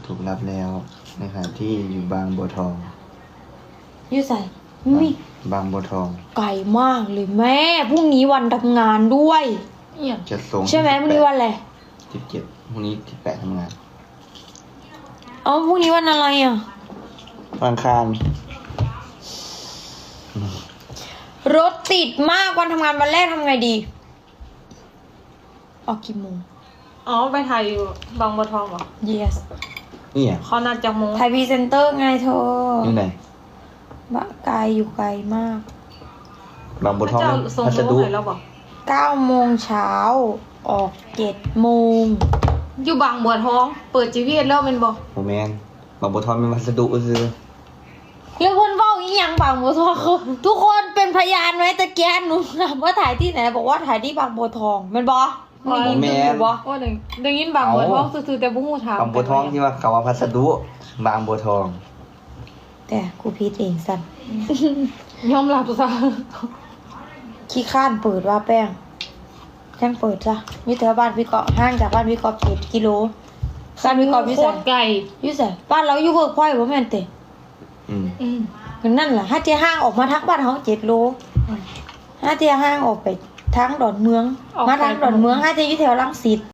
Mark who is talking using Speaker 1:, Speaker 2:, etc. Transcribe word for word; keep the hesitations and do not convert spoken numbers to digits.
Speaker 1: ถูกรับแล้วในขณะที่อยู่บางบัวทอง
Speaker 2: อยู่ใส่มี
Speaker 1: บางบัวทอง
Speaker 2: ไกลมากเลยแม่พรุ่งนี้วันทำงานด้วยเนี่ย
Speaker 1: จะส่ง
Speaker 2: ใช่ไหมพรุ่งนี้วันอะไร
Speaker 1: สิบเจ็ดพรุ่งนี้ที่แปดทำงาน
Speaker 2: เอ้าพรุ่งนี้วันอะไรอ่ะ
Speaker 1: วันอังคาร
Speaker 2: รถติดมากวันทำงานวันแรกทำไงดีออกกี่โมง
Speaker 3: อ๋อไปถ่ายอยู่บางบัวทองเหรอ
Speaker 2: yes
Speaker 1: นี่อ่ะ
Speaker 3: เขานัดจากโมง
Speaker 2: ไทยพรีเซนเตอร์ไงเธอ
Speaker 1: นี่ไหน
Speaker 2: บะไกลอยู่ไกลมาก
Speaker 1: บางบัวทอง
Speaker 3: เจ้าส่ง
Speaker 1: พัส
Speaker 3: โม
Speaker 1: ดุ
Speaker 3: งให้เราบอก
Speaker 2: เก้าโมงเช้าออกเจ็ดโมง
Speaker 3: อยู่บางบัวทอง เปิดจีพีเอสแล้วเป็นบอก
Speaker 1: โมแมนบางบัวทองมีพัสดุซื้อ
Speaker 2: แล้วคนเฝ้าอีหยังบางบัวทองทุกคนเป็นพยานไหมตะเกียนหนูถามว่าถ่ายที่ไหนบอกว่าถ่ายที่บางบัวทองแมันบอได้ยินอยู่บอ
Speaker 3: ว่าเดี๋ยวเดี๋ยวยินบางบัวทองซื่อๆแต่บุ้งหูถาม
Speaker 1: บางบัวทองที่ว่าเขาว่าพัสดุบางบัวทอง
Speaker 2: แต่กูพีดเองสัน
Speaker 3: ยอมรับซะ
Speaker 2: ขี้ข้านเปิดว่าแป้งแจ้งเปิดจ้ะอยี่แถวบ้านพี่เกาะห่างจากบ้านพี่เกาะเจ็ดกิโลบ้านพี่เกาะพี่
Speaker 3: โค
Speaker 2: ใส่
Speaker 3: ตรไกล
Speaker 2: ยี่ใส่บ้านเราอยู่เวิร์กพอยต์บ่แม่นเตะ
Speaker 1: อืม
Speaker 3: อืม
Speaker 2: ก็นั่นแหละถ้าเจ้าห้างออกมาทักบ้านเขาเจ็ดโลถ้าเจ้าห้างออกไปทางดอนเมือง มาทางดอนเมืองถ้าเจ้าอยู่แถวรังสิต